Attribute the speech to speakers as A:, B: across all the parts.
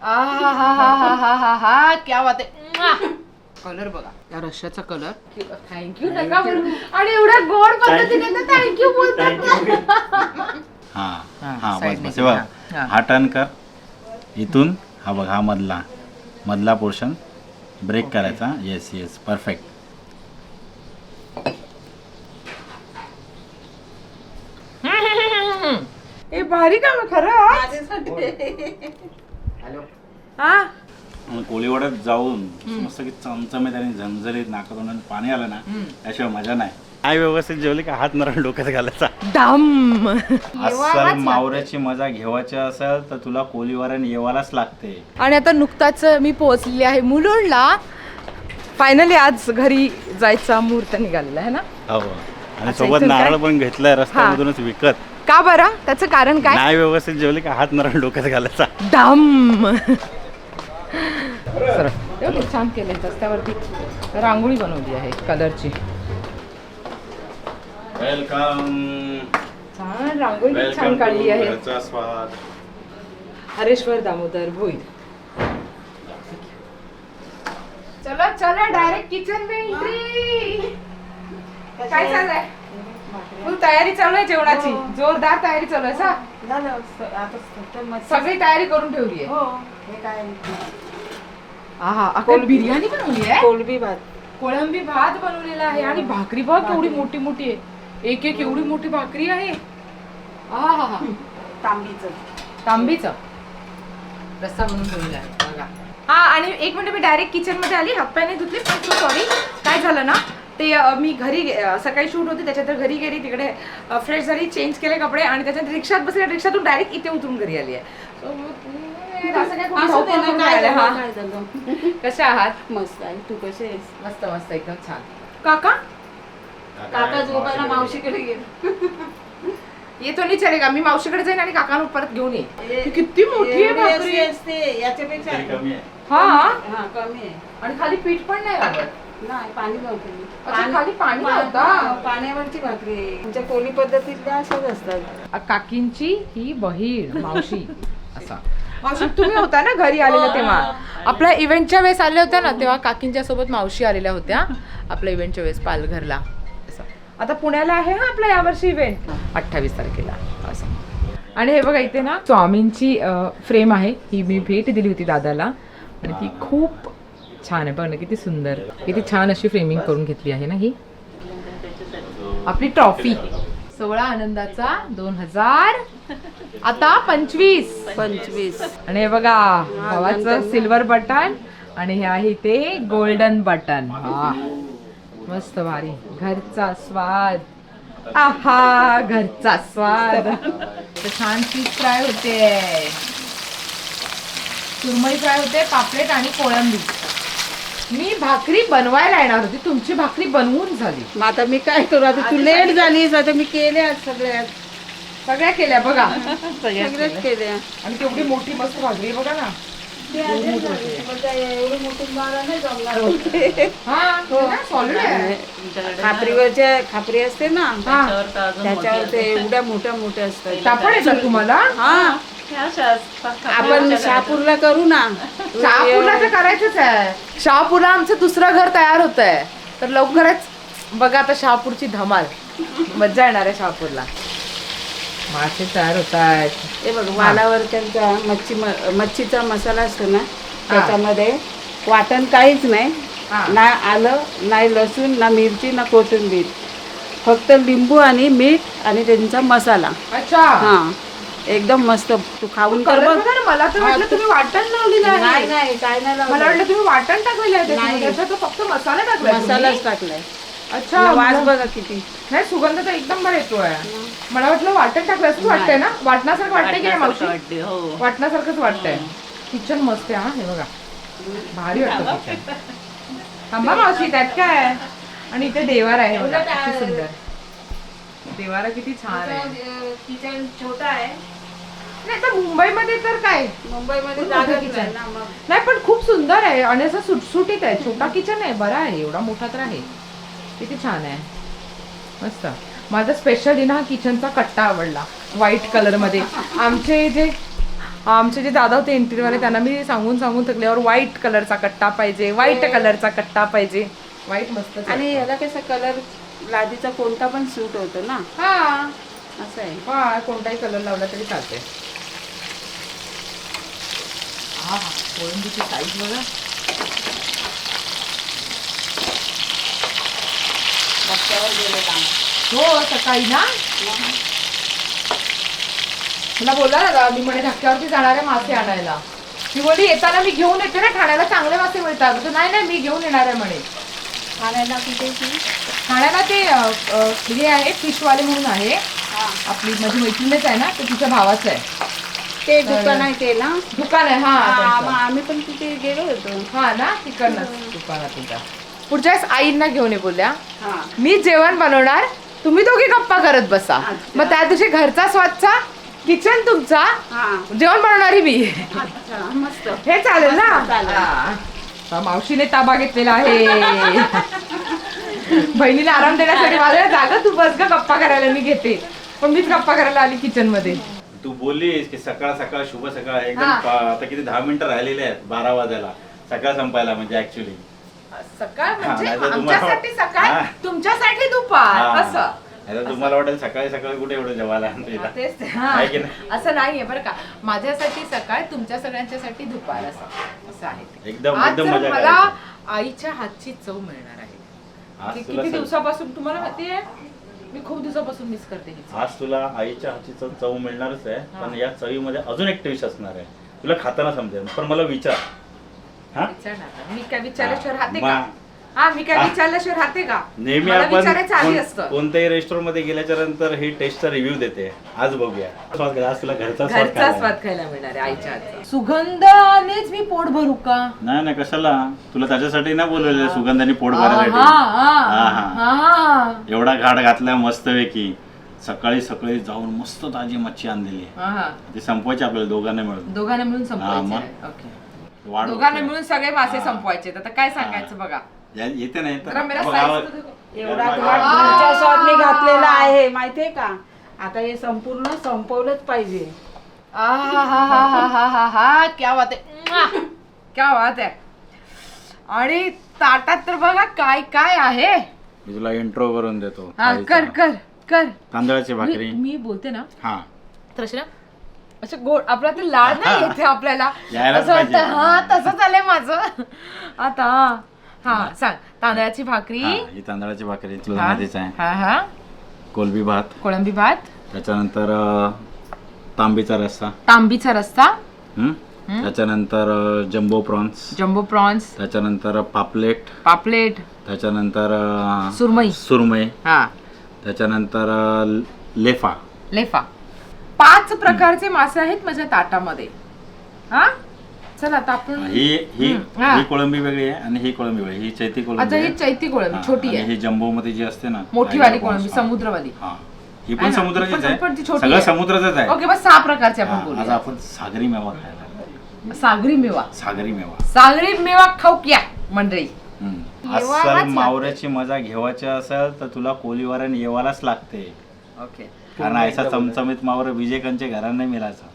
A: हा क्या बात आहे. कलर बघा या रश्याचा कलर. थँक्यू नका बोलू. आणि एवढ्या गोड पद्धतीने तर थँक्यू बोलतात.
B: हा हा
A: side
B: बस
A: ने
B: बस हे बघ.
A: हा.
B: हा टर्न कर इथून. हा बघ हा मधला पोर्शन ब्रेक करायचा. Yes yes perfect.
A: हे भारी काम आहे खरं. हा
B: कोळीवाड्यात जाऊन मस्त की चमचमीत आणि झणझणीत नाकातून पाणी आलं ना त्याशिवाय मजा नाही. काय व्यवस्थित जेवली का हात नरळ डोक्यात घालायचा.
A: दम.
B: अस्सल मावऱ्याची मजा घ्यावायची असेल तर तुला कोळीवाड्याने येवायलाच लागते.
A: आणि आता नुकताच मी पोहोचलेली आहे मुलुंडला. फायनली आज घरी जायचा मुहूर्त निघालेला आहे ना.
B: हो आणि सोबत नारळ पण घेतलाय रस्त्यामधूनच विकत.
A: का बरं? त्याचं कारण काय?
B: नाही व्यवस्थित जेवली का हात नरळ डोक्यात घालायचा.
A: दम. एवढं छान केलंय. रस्त्यावरती रांगोळी बनवली आहे कलरची.
B: वेलकम.
A: छान रांगोळी छान काढली आहे.
B: घरचा स्वाद.
A: हरेश्वर दामोदर भोईर. चलो चलो डायरेक्ट किचन में एंट्री. काय चाललंय? फुल तयारी चालू आहे जेवणाची. जोरदार तयारी चालू आहे. सगळी तयारी करून ठेवली आहे. आहा अकल बिर्याणी बनवली आहे. कोळंबी भात बनवलेला आहे. आणि भाकरी बघ केवढी मोठी मोठी आहे. एक एक एवढी मोठी भाकरी आहे. आहा तांबीचं रस्सा बनवून ठेवलेला आहे बघा. हा आणि एक मिनिट मी डायरेक्ट किचन मध्ये आली. हातपाय धुतले पण सॉरी. काय झालं ना ते मी घरी सकाळी शूट होती त्याच्यात घरी गेली. तिकडे फ्रेश झाली चेंज केले कपडे आणि त्याच्यात रिक्षात बसले. रिक्षातून डायरेक्ट इथे उतरून घरी आली आहे. कशा आहात?
C: मस्त आहे. तू कशी आहेस?
A: मस्त मस्त एकदम छान. काका
C: काका झोपायला मावशीकडे गेले.
A: येतो नाही चलेगा. मी मावशीकडे जाईन आणि काकांना परत घेऊन येईन. किती मोठी आहे भाकरी.
C: असते याच्यापेक्षा
B: कमी आहे.
A: हा
C: हा कमी आहे.
A: आणि खाली पीठ पण नाही लागत.
C: नाही पाणी लावते.
A: अच्छा, खाली पाणी लावता.
C: पाण्यावरची भाकरी. तुमच्या कोली पद्धतीतल्या अशाच असतात.
A: काकींची ही बहीण मावशी असा. मावशी तुम्ही होता ना घरी आलेला तेव्हा. आपल्या इव्हेंटच्या वेळेस आले होत्या ना तेव्हा काकींच्या सोबत मावशी आलेल्या होत्या आपल्या इव्हेंटच्या वेळेस पालघरला. आता पुण्याला आहे हा आपला यावर्षी इव्हेंट 28 तारखेला असं. आणि हे बघा इथे ना स्वामींची फ्रेम आहे. ही मी भेट दिली होती दादाला आणि ती खूप छान आहे. बघ ना किती सुंदर. किती छान अशी फ्रेमिंग करून घेतली आहे ना ही आपली ट्रॉफी. 16 आनंदाचा 2000 आता 25. आणि हे बघा भावाचं सिल्वर बटन आणि हे आहे ते गोल्डन बटन. हा मस्त भारी. घरचा स्वाद. आहा घरचा स्वाद. छान फिश फ्राय होते. सुरमई फ्राय होते. पापलेट आणि कोळंबी. मी भाकरी बनवायला येणार होती. तुमची भाकरी बनवून झाली.
C: मग आता मी काय करू? आता तू लेट झालीस. आता मी केल्या
A: सगळ्या केल्या बघा.
C: सगळ्याच केल्या.
A: आणि तेवढी मोठी मस्त भाकरी बघा ना.
C: एवढं मोठं बारा नाही जमणार होते. खापरी असते ना त्याच्यावर ते एवढ्या मोठ्या असतात.
A: तापड येतात तुम्हाला?
C: हा आपण शहापूरला करू ना.
A: शहापूरला तर करायचंच आहे. शहापूरला आमचं दुसरं घर तयार होत आहे तर लवकरच बघा आता शहापूरची धमाल. मज्जा येणार आहे शहापूरला. मासे तयार होत आहेत.
C: हे बघ वालावरच्या मच्छीचा मसाला असतो ना त्याच्यामध्ये वाटण काहीच नाही. ना आलं नाही लसूण ना मिरची ना कोथिंबीर. फक्त लिंबू आणि मीठ आणि त्यांचा मसाला.
A: अच्छा
C: हा एकदम मस्त. तू खाऊन कर बघ.
A: मला तर वाटलं तुम्ही वाटण लावलेलं आहे.
C: नाही काय नाही लावलं.
A: मला वाटलं तुम्ही वाटण टाकलेलं आहे. त्याच्यात फक्त मसाला टाकलाय.
C: मसालाच टाकलाय.
A: अच्छा
C: वास बघा किती.
A: नाही सुगंध तर एकदम बरं येतोय. मला वाटलं वाटण टाकलं असं वाटतंय ना. वाटण्यासारखं वाटतंय की नाही मावशी? वाटण्यासारखंच वाटतंय. किचन मस्त आहे. हा हे बघा भारी वाटतं किचन. थांबा मावशी त्यात काय. आणि इथे देवार आहे बघा किती सुंदर. देवारा किती छान आहे.
C: किचन छोटा आहे.
A: नाही तर मुंबईमध्ये तर काय
C: मुंबईमध्ये
A: किचन नाही पण खूप सुंदर आहे आणि असं सुटसुटीत आहे. छोटा किचन आहे बरा आहे. एवढा मोठा तर आहे. किती छान आहे मस्त. माझा स्पेशली ना किचनचा कट्टा आवडला व्हाईट कलर मध्ये. आमचे जे आमचे जे दादा होते इंटिरियरवाले त्यांना मी सांगून थकल्यावर व्हाईट कलरचा कट्टा पाहिजे, व्हाईट कलरचा कट्टा पाहिजे. व्हाईट मस्त.
C: आणि याला कसा कलर लादीचा कोणता पण सूट होतो ना.
A: हा
C: असं आहे.
A: हा कोणताही कलर लावला तरी चालते. हा कोळंबीची साईज बघा.
C: रस्त्यावर गेले काम.
A: हो सकाळी ना मला बोलला ना मी म्हणे धक्क्यावरती जाणारे मासे आणायला. मी बोलली येताना मी घेऊन येते ना, ठाण्याला चांगले मासे मिळतात. तो नाही मी घेऊन येणार आहे म्हणे.
C: ठाण्याला कुठे
A: ठाण्याला ते हे आहे फिशवाले म्हणून आहे. आपली माझी मैत्रिणीच आहे ना, ते तिच्या भावाचं आहे.
C: ते दुकान आहे ते ना.
A: दुकान आहे. हा
C: आम्ही पण तिथे गेलो होतो.
A: हा ना तिकडनंच दुकानात तुमच्या. पुढच्या वेळेस आईंना घेऊन ये बोलल्या.
C: हा
A: मी जेवण बनवणार, तुम्ही दोघी गप्पा करत बसा. मग त्या दिवशी घरचा स्वच्छ, किचन तुमचा,
C: हा
A: जेवण बनवणारी मी.
C: अच्छा मस्त.
A: हे चालेल ना.
C: चालेल.
A: हा. मावशीने ताबा घेतलेला आहे. बहिणीला आराम देण्यासाठी माझ्या जागा तू बस ग गप्पा करायला मी घेते. पण मीच गप्पा करायला आली किचन मध्ये.
B: तू बोललीस की सकाळ सकाळ शुभ सकाळ एकदम
A: हा.
B: आता किती 10 मिनिटं राहिलेले आहेत 12 वाजायला सकाळ संपायला म्हणजे ऍक्च्युली
A: सकाळ म्हणजे
B: नाही तर तुम्हाला-
A: आमच्यासाठी सकाळ,
B: हा.
A: तुमच्यासाठी दुपार
B: हा.
A: असं.
B: आता तुम्हाला वाटेल सकाळी सकाळी कुठे एवढं जेवायला आणतो इथं.
A: तेच ते. हा.
B: आहे की नाही?
A: असं नाहीये बरं का. माझ्यासाठी सकाळ, तुमच्या सगळ्यांच्यासाठी दुपार असं आहे ते.
B: एकदम
A: आज
B: एकदम
A: जर
B: मजा
A: मला
B: करायची.
A: आईच्या हातची चव मिळणार आहे.
B: आज
A: किती
B: तुला सग-
A: दिवसापासून तुम्हाला माहितीये, मी खूप दिवसापासून मिस करते ही चव.
B: आज तुला आईच्या हातची चव मिळणारच आहे. पण या चवीमध्ये अजून एक टेस्ट असणार आहे. तुला खाताना समजेल. पण मला विचार हा
A: विचारणार ना. मी काय विचारल्याशिवाय राहते
B: मा-
A: का? हा मी काय विचारल्याशिवाय राहते का?
B: नेहमी
A: मला
B: आपण
A: विचारायचं आधी असतं.
B: कोणत्याही रेस्टॉरंट मध्ये गेल्याच्या नंतर ही टेस्टचा रिव्ह्यू देते. आज बघूया स्वाद घ्या. आज तुला घरचा स्वाद
A: घरचा
B: खायला.
A: स्वाद खायला मिळणार आहे आईच्या हातचा. सुगंधानेच मी पोट भरू का?
B: नाही नाही कशाला तुला त्याच्यासाठी ना बोलवलेलं सुगंधाने पोट भरायसाठी.
A: हा.
B: एवढा घाट घातला मस्तपैकी. सकाळी सकाळी जाऊन मस्त ताजी मच्छी आणलेली आहे.
A: हा.
B: ती संपवायची आपल्याला दोघांना मिळून.
A: दोघांना मिळून
B: हा,
A: संपवायचे
B: मग.
A: आहे. ओके.
B: वाढ
A: दोघांना
B: होते.
A: मिळून सगळे मासे
B: हा.
A: संपवायचे. आता काय सांगायचं बघा.
B: येते नाही
A: जरा मेरा size
C: एवढा घाट घरच्या स्वादने घातलेला आहे माहितीये का. आता हे संपूर्ण संपवलंच पाहिजे.
A: क्या बात आहे. क्या बात आहे. आणि ताटात तर बघा काय काय आहे.
B: मी तुला इंट्रो करून देतो.
A: हा
B: थाळीचा.
A: कर
B: तांदळाची भाकरी.
A: मी बोलते ना
B: हा
A: तर अशी ना असं गोड आपला ते लाड नाही येते आपल्याला.
B: यायलाच
A: असं वाटतं
B: पाहिजे.
A: हा तसंच आलंय माझं आता. हा सांग. तांदळाची भाकरी.
B: हा, ही तांदळाची भाकरी तुला
A: हा.
B: माहितीच आहे.
A: हा
B: कोलबी भात.
A: कोळंबी भात.
B: त्याच्यानंतर तांबीचा रस्सा.
A: तांबीचा रस्सा.
B: हम्म? त्याच्यानंतर जम्बो प्रॉन्स.
A: Jumbo prawns.
B: त्याच्यानंतर पापलेट.
A: पापलेट.
B: त्याच्यानंतर
A: सुरमई.
B: सुरमई.
A: हा
B: त्याच्यानंतर लेफा.
A: लेफा. 5 प्रकारचे मासे आहेत माझ्या ताटामध्ये. हा चला आता आपण
B: ही ही
A: हा.
B: ही कोळंबी वेगळी आहे आणि ही कोळंबी वेगळी. ही चैती कोळंबी
A: आता ही
B: आहे.
A: चैती कोळंबी
B: हा,
A: छोटी
B: आणि
A: आहे.
B: ही जम्बो मध्ये जी असते ना
A: मोठी
B: टायगर
A: वाली
B: प्रॉन्स.
A: कोळंबी
B: हा.
A: समुद्रवाली.
B: हा ही
A: आहे
B: पण
A: ना?
B: समुद्राचीच
A: पण ती
B: आहे.
A: छोटी
B: सगळं
A: आहे.
B: समुद्राचंच आहे.
A: ओके बस 6 प्रकारचे आपण
B: हा, आज
A: बोलूया.
B: आपण सागरी मेवा खायला.
A: सागरी मेवा.
B: सागरी मेवा.
A: सागरी मेवा खाऊ क्या मंडळी.
B: हम्म.
A: येवालाच
B: अस्सल
A: लागते.
B: मावऱ्याची मजा घ्यावायची असेल तर तुला कोलीवाऱ्याने येवालाच लागते.
A: ओके.
B: कारण ऐसा चमचमीत मावरा विजयकांच्या घरात नाही मिळायचा.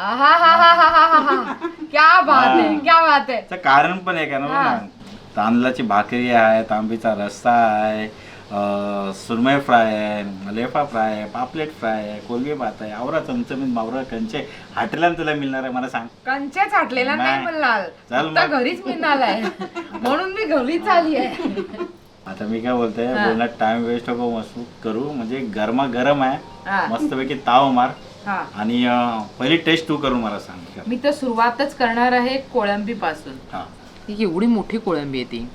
A: क्या बात आहे. क्या बात आहे.
B: त्याचं कारण पण आहे का ना. तांदळाची भाकरी आहे, तांबीचा रस्सा आहे, सुरमई फ्राय आहे, लेफा फ्राय आहे, पापलेट फ्राय आहे, कोलबी भात आहे, आवरा चमचमीत मावरा कंचे हॉटेलात तुला मिळणार आहे मला सांग.
A: कंचेच हाटलेला नाही
B: नाही.
A: मिळणार.
B: चल
A: फक्त
B: मग.
A: घरीच मिळणार आहे. म्हणून मी घरीच आली आहे.
B: आता मी काय बोलतोय
A: हा.
B: बोलण्यात टाइम वेस्ट नको मस्त करू. म्हणजे गरमा गरम आहे.
A: हा.
B: मस्तपैकी ताव मार
A: हा.
B: आणि पहिली टेस्ट तू करून मला सांग.
A: मी तर सुरुवातच करणार आहे कोळंबी पासून.
B: हा
A: ही एवढी मोठी कोळंबी आहे ती.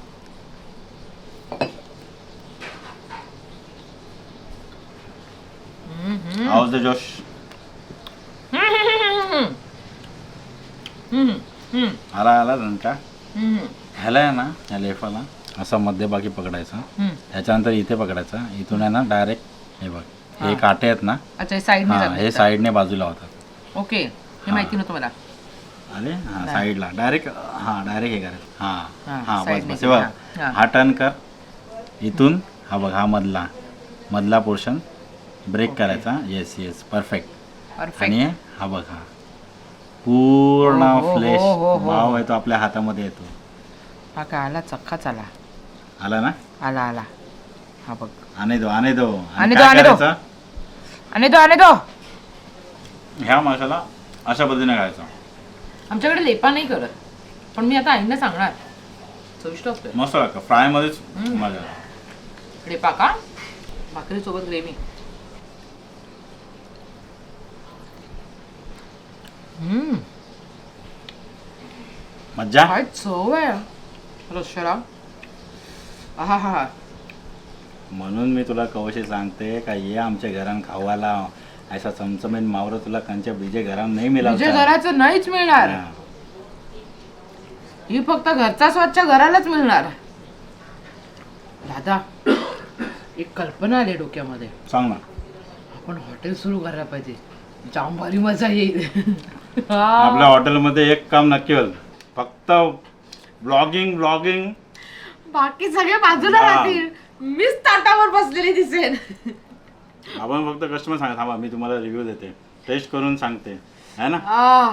B: हाऊस द जोश. आला आला झणका. ह्याला आहे ना ह्या लेफाला असा मध्यभागी पकडायचा. त्याच्यानंतर इथे पकडायचा. इथून आहे ना डायरेक्ट हे बघ हे काटे आहेत ना.
A: अच्छा साइड
B: हा हे साईडने बाजूला होतात.
A: ओके हे माहिती नव्हतं मला.
B: आले हा साईडला डायरेक्ट. हा डायरेक्ट हे करायचं.
A: हा,
B: हा हा बस
A: साईडने
B: बस हे बघ.
A: हा.
B: हा टर्न कर. इथून हा बघ हा मधला पोर्शन ब्रेक करायचा. Yes yes perfect.
A: परफेक्ट.
B: आणि हा बघ हा पूर्ण
A: हो, हो,
B: फ्लेश
A: हो, हो, हो.
B: भाव आहे तो आपल्या हातामध्ये येतो.
A: हा काय आला चक्काच आला
B: आला ना?
A: आला आला हा बघ
B: आणि दो आणि दो
A: आणि दो,
B: काय
A: आणि दो.
B: करायचं?
A: आणि तो
B: ह्या मसाला अशा पद्धतीने खायचा.
A: आमच्याकडे लेपा नाही करत, पण मी आता आईंना सांगणार. चविष्ट असतोय
B: मस्त लागतं फ्राय मध्येच
A: हम्म.
B: मजा.
A: लेपा का भाकरी सोबत ग्रेव्ही.
B: मज्जा.
A: काय चव आहे रश्याला. हा हा हा
B: म्हणून मी तुला कवशी सांगते का ये आमच्या घरान खावाला असा चमचमीत मावरं तुला कंच्या बीजे घरान नाही
A: तुझ्या
B: मिळाला.
A: घराचं नाहीच मिळणार, ही फक्त घरचा स्वच्छ घरालाच मिळणार. दादा एक कल्पना आली डोक्यामध्ये.
B: सांग ना.
A: आपण हॉटेल सुरू करायला पाहिजे, जाम भारी मजा येईल.
B: आपल्या हॉटेलमध्ये एक काम नक्की होईल, फक्त ब्लॉगिंग.
A: बाकी सगळे बाजूला
B: हा.
A: राहतील, मीच ताटावर बसलेली दिसेन.
B: आपण फक्त कस्टमर सांगा थांबा मी तुम्हाला रिव्ह्यू देते, टेस्ट करून सांगते है ना.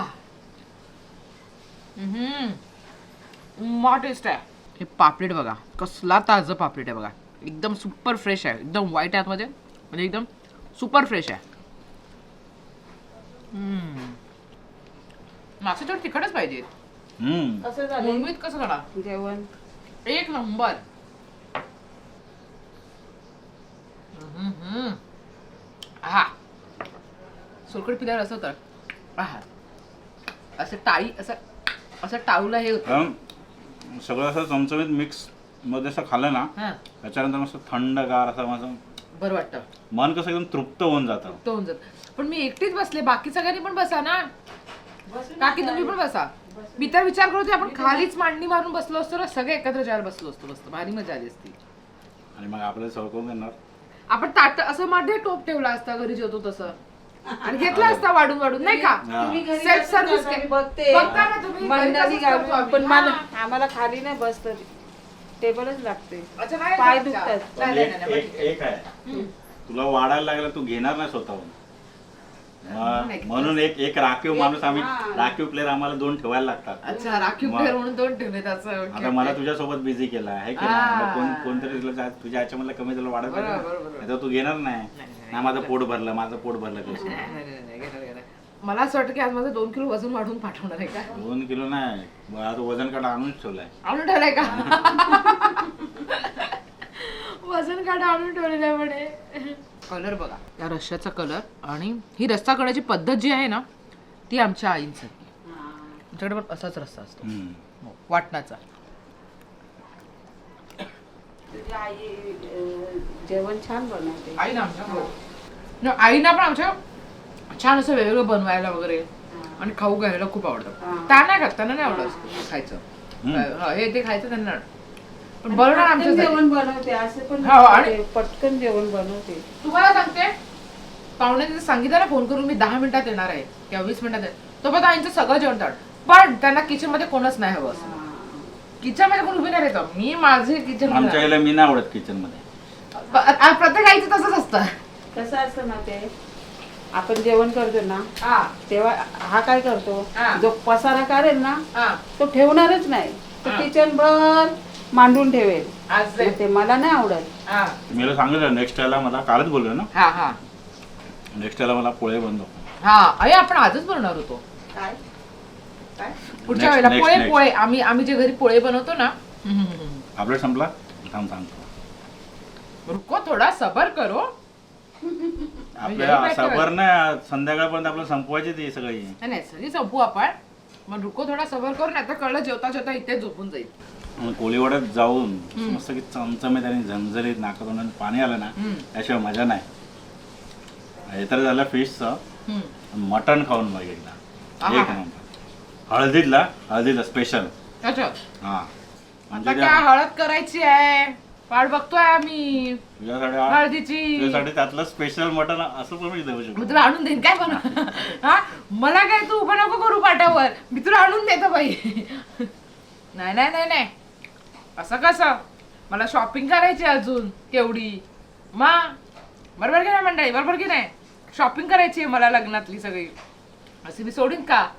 A: मा टेस्ट आहे. हे पापलेट बघा, कसला ताजं पापलेट आहे बघा, एकदम सुपर फ्रेश आहे, एकदम व्हाईट आहे आतमध्ये, म्हणजे एकदम सुपर फ्रेश आहे. मासे थोडं तिखटच पाहिजे.
C: कसं झालं
A: मुंबईत कसं करणार
C: जेवण?
A: एक नंबर. हा सोलकट पिल्यावर असं होतं, आहा असं टाळी असं टाळूला हे होतं.
B: सगळं असं चमचमीत मिक्स मध्ये असं खाल्लं ना,
A: हा
B: त्याच्यानंतर मस्त थंडगार असं माझं
A: बरं वाटतं,
B: मन कसं एकदम तृप्त होऊन जातं.
A: तो होऊन जात. पण मी एकटीच बसले, बाकी सगळ्यांनी पण बसा ना. काकी तुम्ही पण बसा. मी तर विचार करत होते आपण खालीच मांडणी मारून बसलो असतो ना, सगळे एकत्र जेवायला बसलो असतो, मस्त भारी मजा आली असती.
B: आणि मग आपल्याला सवय करून देणार.
A: आपण ताट असं मध्ये टोप ठेवला असता घरी जेवतो तसं, आणि घेतला असता वाढून वाढून, नाही का.
B: हा.
C: तुम्ही घरी
A: Self
C: बसता
A: service
C: का?
A: के-
C: मी बघते
A: बघता ना तुम्ही, घरी
C: मंडळी
A: तसंच करतो
C: घालून,
A: आम्ही.
C: पण
A: हा.
C: आम्हाला खाली नाही बसत, टेबलच लागते.
A: अच्छा, नाही
C: पाय
A: अच्छा.
C: दुखतात.
A: नाही, नाही, नाही,
B: एक एक आहे, तुला वाढायला लागला तू घेणार नाही स्वतःहून. म्हणून एक राखीव माणूस आम्ही, राखीव प्लेअर आम्हाला 2 ठेवायला लागतात.
A: अच्छा, राखीव
B: मग-
A: प्लेअर म्हणून 2 ठेवले त्याचं.
B: आता मला तुझ्यासोबत बिझी केला आहे की
A: हा.
B: नाही? मग कोणतरी तुझ्या याच्यामधलं कमी तुला वाढत
A: बरोबर,
B: पाहिजे
A: बरोबर,
B: ना.
A: बरोबर.
B: नाहीतर तू घेणार नाही.
A: नाही,
B: नाही माझं पोट भरलं कसं.
A: नाही, घेणार. मला असं वाटतं की आज माझं 2 किलो वजन वाढवून पाठवणार आहे का.
B: 2 किलो नाही, आता वजन काढा आणूनच ठेवलाय.
A: आणून ठेवलंय का. वजन काढा आणून ठेवलेलं आहे म्हणे. कलर बघा, या रश्श्याचा कलर, आणि ही रस्सा करण्याची पद्धत जी आहे ना, ती आमच्या आईंसारखी. आमच्याकडे पण असाच रस्सा असतो,
B: हम्म.
A: वाटणाचा.
C: तुझी आई जेवण छान बनवते.
A: आई ना आमच्या, आईना पण आमच्या छान असं वेगवेगळं बनवायला वगैरे आणि खाऊ घ्यायला खूप आवडतं. त्या नाही खात, त्यांना नाही आवडत खायचं. हे ते खायचं त्यांना, पण बनवणार
C: पटकन
A: आमच्या.
C: जेवण बनवते असं पण
A: हो, आणि-
C: नसते. पटकन जेवण बनवते.
A: तुम्हाला सांगते, पाहुण्याने सांगितलं ना फोन करून मी 10 मिनिटात येणार आहे किंवा 20 मिनिटात तो पण आईचं सगळं जेवण ताट, पण त्यांना किचन मध्ये कोणच नाही हवं असं. किचन मध्ये कोण उभी नाही राहायचं, मी माझे किचन
B: आमच्या आईला मी नाही आवडत किचन मध्ये.
A: प्रत्येक आईचं तसंच असतं.
C: कसं असतं ना ते, आपण जेवण करतो ना
A: हा
C: तेव्हा हा काय करतो,
A: हा.
C: जो पसारा काढेल ना
A: हा
C: तो ठेवणारच नाही, तो
A: हा.
C: किचन भर मांडून ठेवेल.
A: आज
C: मग ते मला नाही आवडत.
A: हा
B: मी सांगितलं नेक्स्ट टायला मला कालच बोललो ना,
A: हा हा
B: नेक्स्ट टायला मला पोळे बनतो.
A: हा अरे आपण आजच बनवणार होतो.
C: काय
A: पुढच्या
B: Next,
A: वेळेला
B: next,
A: पोळे
B: next.
A: पोळे आम्ही जे घरी पोळे बनवतो ना.
B: आपल्याला संपला थांब सांगतो.
A: रुको थोडा सबर करो.
B: आपल्या सबर नाही, संध्याकाळपर्यंत आपल्याला संपवायची ती सगळी.
A: नाही सगळी संपू आपण, मग रुको थोडा सबर करून, आता कळलं जेवता जेवता इथे झोपून जाईल.
B: मग कोळीवाड्यात जाऊन मस्त की चमचमीत आणि झणझणीत नाकातून पाणी आलं ना, त्याशिवाय मजा नाही. हे तर झालं फिशचं. मटण खाऊन बघ एकदा,
A: आहा.
B: एक नंबर. हळदीला स्पेशल.
A: अच्छा,
B: हा
A: आता
B: म्हणजे
A: काय हळद करायची आहे, वाट बघतोय आम्ही
B: तुझ्यासाठी
A: हळदीची.
B: तुझ्यासाठी त्यातलं स्पेशल मटण असं पण मी देऊ
A: मी
B: शकतो.
A: तुला आणून देईन काय बनव. हा मला काय तू उभं नको करू पाट्यावर, मी तुला आणून देतो बाई. नाही नाही नाही नाही, असं कसं, मला शॉपिंग करायची अजून केवढी. मा बरोबर की नाही मंडळी, बरोबर की नाही, शॉपिंग करायची आहे मला लग्नातली सगळी. अशी मी सोडीन का.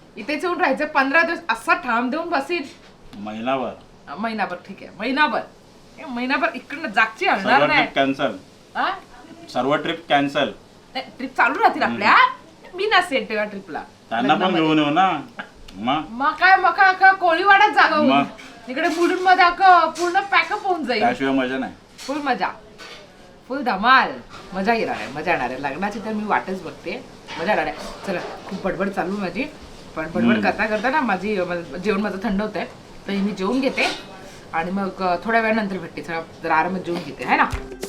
A: इथेच येऊन राहायचं 15 दिवस असा ठाम देऊन बसील. महिनाभर ठीक आहे, महिनाभर इकडनं जागची आणणार नाही.
B: कॅन्सल, सर्व ट्रिप कॅन्सल.
A: ट्रिप चालू राहतील आपल्या. मी नसेल तेव्हा ट्रिपला.
B: त्यांना पण घेऊन येऊ ना.
A: मग काय कोळीवाड्यात जागा होईल. इकडे बुडून मध्ये पूर्ण पॅकअप होऊन जाईल.
B: त्याशिवाय मजा नाही.
A: फुल मजा, फुल धमाल. मजा येणार आहे. लग्नाची तर मी वाटच बघते. मजा येणार आहे. चला, खूप बडबड चालू माझी, पण बडबड करता ना माझी जेवण माझं थंड होत आहे. तर मी जेवून घेते आणि मग थोड्या वेळानंतर भेटते. चला जरा आरामात जेवून घेते, है ना.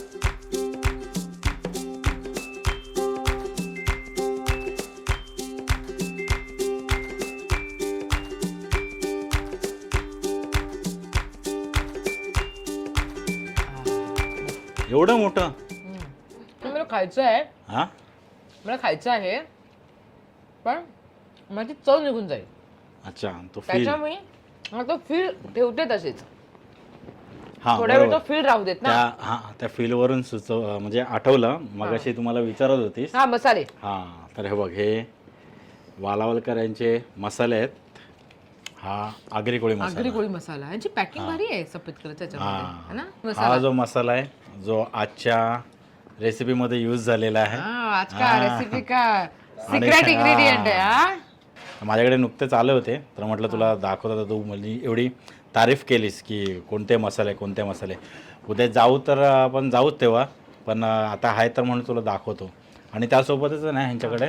B: एवढं मोठं
A: मला खायचं आहे.
B: हा,
A: मला खायचं आहे, पण माझी चव निघून जाईल.
B: अच्छा, तो फील.
A: त्याच्यामुळे तो फील ठेवते तसेच.
B: हा,
A: थोड्या वेळ तो फील राहू देत ना.
B: त्या फील वरून म्हणजे आठवलं मगाशी तुम्हाला विचारत होतीस.
A: हा, मसाले.
B: हा, तर हे बघ, हे वालावलकर यांचे मसाले आहेत. हा आगरी कोळी
A: मसाला. यांची पॅकिंग भारी आहे सफेद कलरच्या.
B: हा जो मसाला आहे, जो आजच्या रेसिपी मध्ये यूज झालेला आहे.
A: आज का रेसिपी का सिक्रेट इंग्रेडियंट आहे.
B: माझ्याकडे नुकतेच आले होते, तर म्हटलं तुला दाखवता. तू म्हणजे एवढी तारीफ केलीस की कोणते मसाले. उद्या जाऊ तर आपण जाऊच तेव्हा, पण आता आहे तर म्हणून तुला दाखवतो. आणि त्यासोबतच ना ह्यांच्याकडे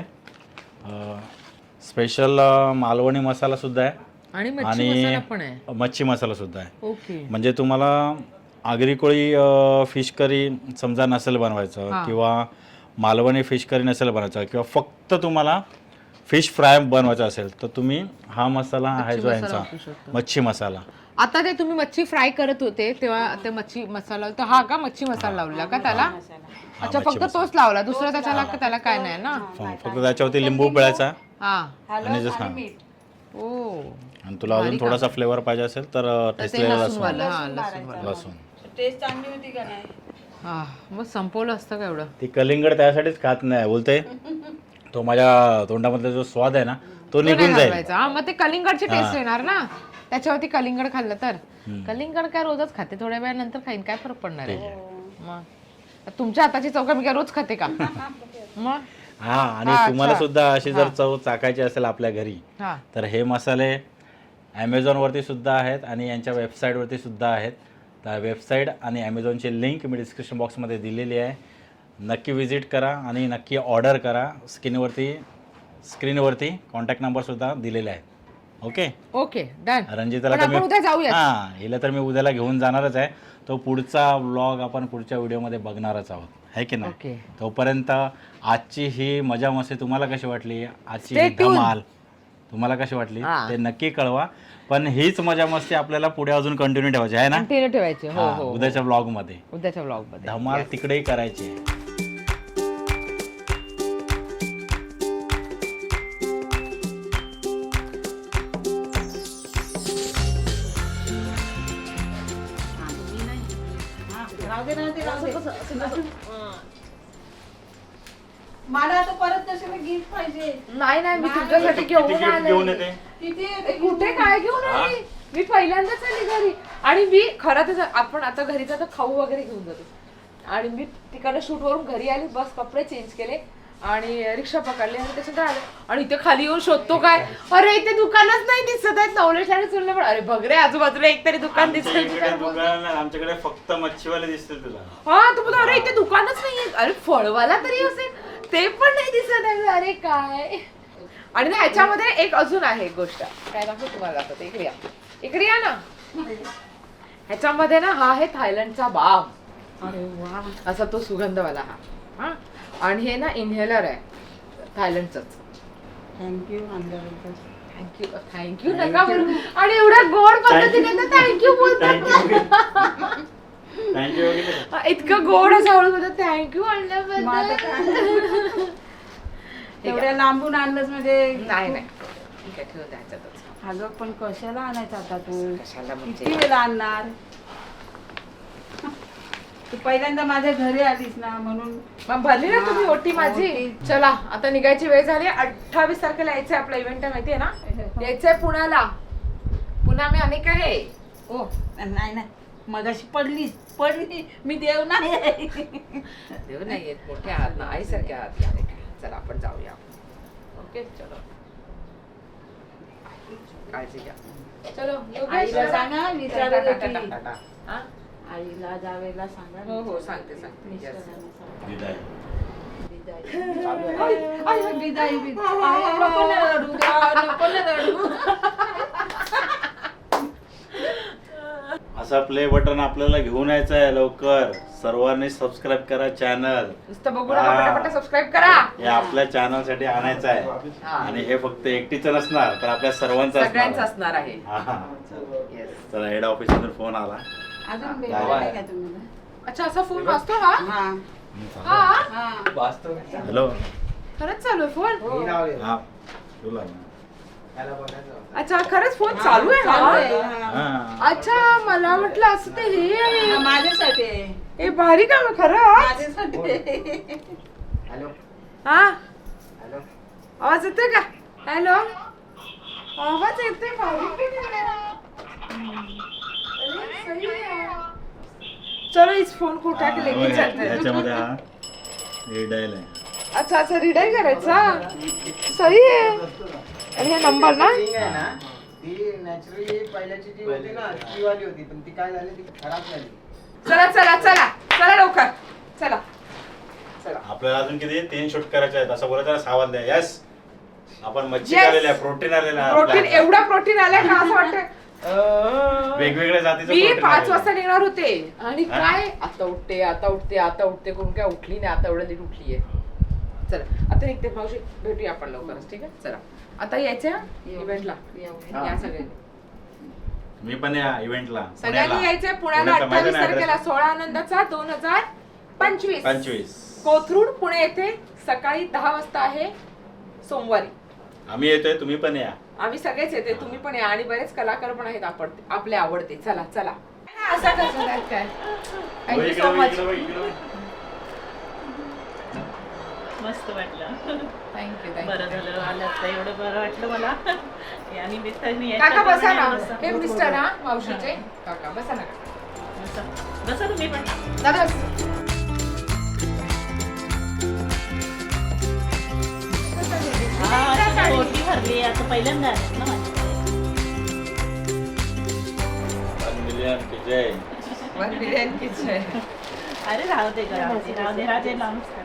B: स्पेशल मालवणी मसाला सुद्धा आहे आणि मच्छी मसाला सुद्धा आहे.
A: ओके.
B: म्हणजे तुम्हाला आगरी कोळी फिश करी समजा नसेल बनवायचं, किंवा मालवणी फिश करी नसेल बनवायचं, किंवा फक्त तुम्हाला फिश फ्राय बनवायचा असेल, तर तुम्ही हा मसाला आहे जो यांचा मच्छी मसाला.
A: आता ते तुम्ही मच्छी फ्राय करत होते तेव्हा ते मच्छी मसाला, तर हा का मच्छी मसाला लावला का त्याला? अच्छा, फक्त तोच लावला, दुसरा त्याला काय नाही ना.
B: फक्त त्याच्यावरती लिंबू पिळायचा
C: आणि
B: आणि तुला अजून थोडासा फ्लेवर पाहिजे असेल तर ठेचलेला लसूण.
C: टेस्ट चांगली होती का नाही?
A: मग संपवलं असतं का एवढं.
B: ती कलिंगड त्यासाठीच खात नाही, बोलते तो माझ्या तोंडामधला जो स्वाद आहे ना तो निघून जाईल.
A: मग ते कलिंगडची टेस्ट येणार ना त्याच्यावरती. कलिंगड खाल्लं तर. कलिंगड काय रोजच खाते, थोड्या वेळानंतर खाईन, काय फरक पडणार आहे. मग तुमच्या हाताची चव मी काय रोज खाते का? मग
B: हा, आणि तुम्हाला सुद्धा अशी जर चव चाकायची असेल आपल्या घरी, तर हे मसाले ॲमेझॉन वरती सुद्धा आहेत आणि यांच्या वेबसाईट वरती सुद्धा आहेत. त्या वेबसाईट आणि ॲमेझॉनची लिंक मी डिस्क्रिप्शन बॉक्समध्ये दिलेली आहे. नक्की विजिट करा आणि नक्की ऑर्डर करा. स्क्रीनवरती कॉन्टॅक्ट नंबर सुद्धा दिलेले आहेत. Okay done. रंजिताला तर हिला तर मी उद्याला घेऊन जाणारच आहे. तो पुढचा व्लॉग आपण पुढच्या व्हिडिओमध्ये बघणारच आहोत, है की नाही. तोपर्यंत आजची ही मजा मस्ती तुम्हाला कशी वाटली, आजची ही धमाल तुम्हाला कशी वाटली ते नक्की कळवा. पण हीच मजा मस्ती आपल्याला पुढे अजून कंटिन्यू ठेवायची आहे ना. ठेवायची. उद्याच्या व्लॉग मध्ये धमाल तिकडेही करायची आहे.
C: मला आता परत तसं गिफ्ट पाहिजे.
A: नाही मी तुमच्यासाठी घेऊन आले. कुठे काय घेऊन आली? मी पहिल्यांदाच आली घरी. आणि मी खरं तर आपण आता घरी जातो खाऊ वगैरे घेऊन जातो. आणि मी तिकडे शूट वरून घरी आली, बस कपडे चेंज केले आणि रिक्षा पकडली आणि त्याच्यानंतर आले. आणि इथे खाली येऊन शोधतो काय, अरे इथे दुकानच नाही दिसत आहेत. नवलेश आणि सुनले पण अरे बघ रे आजूबाजूला एक तरी दुकान दिसत.
B: आमच्याकडे फक्त मच्छीवाले दिसतील तुला.
A: हा, तू बोल अरे इथे दुकानच नाहीये. अरे फळवाला तरी असेल, ते पण नाही दिसत आहे. अरे काय. आणि ना ह्याच्यामध्ये एक अजून आहे गोष्ट, काय दाखवू तुम्हाला, दाखवते. इकडे या ना. ह्याच्यामध्ये ना हा आहे थायलंडचा बाम. अरे वा, असा तो सुगंधवाला हा. आणि हे ना इन्हेलर आहे थायलंडचंच. थँक्यू नका बोलू. आणि एवढ्या गोड पद्धतीने थँक्यू बोलतात. इतकं गोड असं हळू बोलतात थँक्यू आणल्याबद्दल.
C: एवढ्या लांबून आणलंच म्हणजे
A: नाही ठेव त्याच्यातच.
C: अगं पण कशाला आणायचं आता तू?
A: कशाला
C: किती वेळा आणणार? तू पहिल्यांदा माझ्या घरी आलीस ना म्हणून
A: मग भरली ना तुम्ही
C: हा,
A: ओटी माझी.
C: ओटी.
A: चला आता निघायची वेळ झाली. 28 तारखेला यायचंय आपला इव्हेंट आहे माहितीये ना. यायचंय पुण्याला. पुन्हा मी अनेक आहे.
C: ओ नाही नाही मगाशी पडली मी देव नाही
A: देव नाही येत, मोठे आहात ना, आईसारखे आहात. अनेक आहे. चला आपण जाऊया. ओके चलो, काळजी घ्या. चलो योगेश,
C: आईला
A: चला.
C: सांगा विचारत
A: टाटा,
C: होती.
A: टाटा, टाटा. हा?
C: आईला जावेला सांगा
A: हो हो सांगते सांगते. Yes.
C: मिस्टरांना सांगा.
B: विदाय.
C: आई, आई, विदाई, विदाई. आई, नको ना रडू गं, नको ना रडू.
B: असा प्ले बटन आपल्याला घेऊन यायचं आहे लवकर. सर्वांनी सबस्क्राईब करा चॅनल.
A: नुसतं बघू नका, पटापट सबस्क्राईब करा.
B: हे आपल्या चॅनल साठी आणायचं आहे.
A: हा.
B: आणि हे फक्त एकटीचं नसणार तर आपल्या सर्वांचं
A: सगळ्यांचं
B: असणार.
A: असणार आहे.
B: हा.
A: Yes.
B: चला हेड ऑफिस मधून फोन आला.
C: अजून भेटलं नाही का तुम्हाला?
A: अच्छा असा फोन वाजतो हा?
C: हा
A: हा
C: हा
B: हॅलो.
A: खरंच चालू आहे फोन?
B: हा बोला ना.
A: अच्छा खरंच फोन चालू आहे
C: चालू
A: हा?
C: आहे, हा.
B: हा.
A: अच्छा मला वाटलं असं ते हे आहे.
C: हा, माझ्यासाठी आहे.
A: हे भारी काम आहे खरं.
C: माझ्यासाठी आहे.
A: हा आवाज येतोय का? हॅलो आवाज येतोय भारी पण आहे. अरे, सही है. चलो इस फोन को उठा के लेके चलते हैं.
B: याच्यामध्ये हा रिडायल आहे.
A: अच्छा अच्छा रिडाईल करायचा. सही आहे. आणि हे नंबर ना
D: ती नॅचरली पहिल्याची जी होती ना ती वाली होती पण ती काय झाली ती खराब झाली.
A: चला चला चला चला लवकर चला चला.
B: आपल्याला अजून किती 3 शूट करायचे आहेत असं बोलायचं 6 वाजले. यस आपण मच्छी
A: Yes.
B: आलेले आहे, प्रोटीन आलेलं आहे
A: प्रोटीन
B: आपल्याला.
A: एवढा प्रोटीन आलाय का असं वाटतं.
B: वेगवेगळ्या जातीचं
A: मी
B: protein
A: 5
B: आलेलं
A: वाजता
B: आहे.
A: निघणार होते आणि
B: हा?
A: काय आता उठते आता उठते आता उठते करून काय उठली नाही. आता एवढं लेट उठलीये. चला आता निघते मावशी, भेटूया आपण लवकरच. ठीक आहे चला आता यायचं इव्हेंटला. या सगळ्यांनी
B: मी पण या इव्हेंटला
A: सगळ्यांनी यायचंय पुण्याला 28 तारखेला 16 आनंदाचा 2025
B: 25.
A: कोथरूड पुणे येथे सकाळी 10 वाजता आहे सोमवारी.
B: आम्ही येतोय, तुम्ही पण या.
A: आम्ही सगळेच येते, तुम्ही पण या आणि बरेच कलाकार पण आहेत आपले आवडते. चला चला असं कसं काय काय.
B: हो,
A: थँक्यू
B: इकडे
A: सो
B: बघ,
A: मच.
B: इकडे बघ, इकडे बघ.
E: मस्त वाटलं.
A: थँक्यू
E: बरं
A: थँक्यू.
E: झालं आलं तर एवढं बरं वाटलं मला. या निमित्ताने
A: काका बसा ना.
E: बसा.
A: हे मिस्टर हा मावशीचे काका बसा ना.
E: बसा. बसा तुम्ही पण.
A: दादा
E: हा, अशी ओटी भरली आता पहिल्यांदा आलेत ना माझ्याकडे.
B: 1 मिलियन की जय.
A: 1 मिलियन किचन.
E: अरे राहू दे गं, राहू दे राहू दे राजे नमस्कार.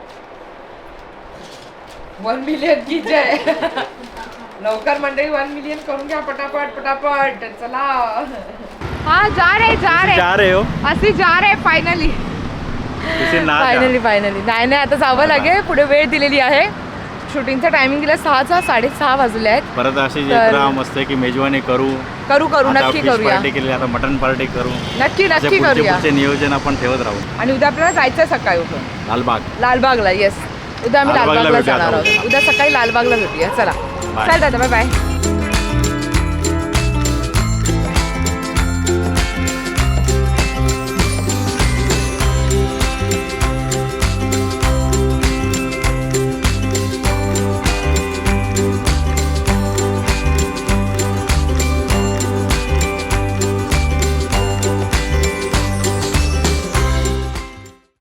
A: 1 मिलियन की जय. लवकर मंडळी 1 मिलियन करून घ्या पटापट पटापट. चला हा जा
B: रहे हो
A: अशी जा रे फायनली.
B: इसे ना जा.
A: फायनली नाही आता जावं लागेल. पुढे वेळ दिलेली आहे. शूटिंगचा टायमिंग दिला 6चा 6:30 वाजले आहेत.
B: परत अशी
A: तर-
B: जत्रा मस्त की मेजवानी करू.
A: करू नक्की करूया.
B: पार्टी केली, आता मटन पार्टी करू.
A: नक्की
B: असे पुढचे
A: करूया.
B: पुढचे नियोजन आपण ठेवत राहू.
A: आणि उद्या आपल्याला जायचं सकाळी उठून
B: लालबाग.
A: लालबागला. येस उद्या आम्ही
B: लालबागला
A: लालबागला
B: भेटूया
A: जाणार
B: आता
A: आहोत. उद्या सकाळी लालबागला भेटूया. चला
B: Bye.
A: चल दादा बाय बाय.